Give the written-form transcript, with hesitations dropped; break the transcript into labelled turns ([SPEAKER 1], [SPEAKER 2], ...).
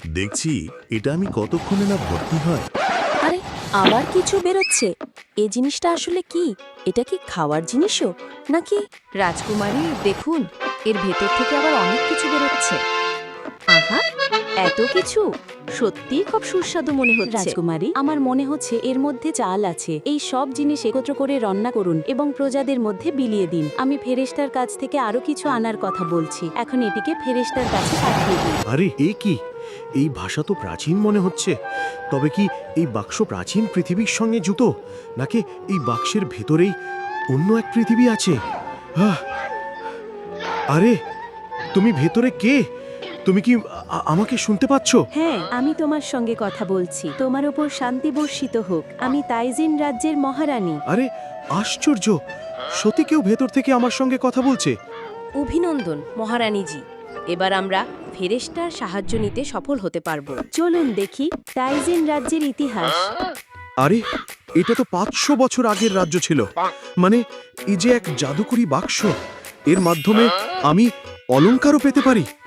[SPEAKER 1] দেখছি এটা আমি কতক্ষণে না ভর্তি হয়।
[SPEAKER 2] আরে আবার কিছু বেরোচ্ছে। এই জিনিসটা আসলে কি? এটা কি খাওয়ার জিনিসও নাকি?
[SPEAKER 3] রাজকুমারী দেখুন, এর ভেতর থেকে আবার অনেক কিছু বেরোচ্ছে। আহা, এত কিছু! সত্যিই খুব সুস্বাদু মনে হচ্ছে।
[SPEAKER 2] রাজকুমারী, আমার মনে হচ্ছে এর মধ্যে চাল আছে। এই সব জিনিস একত্র করে রান্না করুন এবং প্রজাদের মধ্যে বিলিয়ে দিন। আমি ফেরেশতার কাছ থেকে আরো কিছু আনার কথা বলছি। এখন এটিকে ফেরেশতার কাছে পাঠিয়ে দিন।
[SPEAKER 4] আরে এ কি? এই ভাষা তো প্রাচীন মনে হচ্ছে। তবে কি এই বাক্স প্রাচীন পৃথিবীর সঙ্গে যুক্ত, নাকি এই বাক্সের ভেতরেই অন্য এক পৃথিবী আছে? আহ! আরে তুমি ভেতরে কে? তুমি কি আমাকে শুনতে পাচ্ছ?
[SPEAKER 2] হ্যাঁ, আমি তোমার সঙ্গে কথা বলছি। তোমার ওপর শান্তি বর্ষিত হোক। আমি তাইজিন রাজ্যের মহারানী।
[SPEAKER 4] আরে আশ্চর্য! সত্যি কেউ ভেতর থেকে আমার সঙ্গে কথা বলছে।
[SPEAKER 3] অভিনন্দন মহারানীজি। এবার আমরা ফেরেশতার সাহায্য নিতে সফল হতে পারবো।
[SPEAKER 2] চলুন দেখি তাইজিন রাজ্যের ইতিহাস।
[SPEAKER 4] আরে এটা তো 500 বছর আগের রাজ্য ছিল। মানে এই যে এক জাদুকরি বাক্স, এর মাধ্যমে আমি অলংকারও পেতে পারি।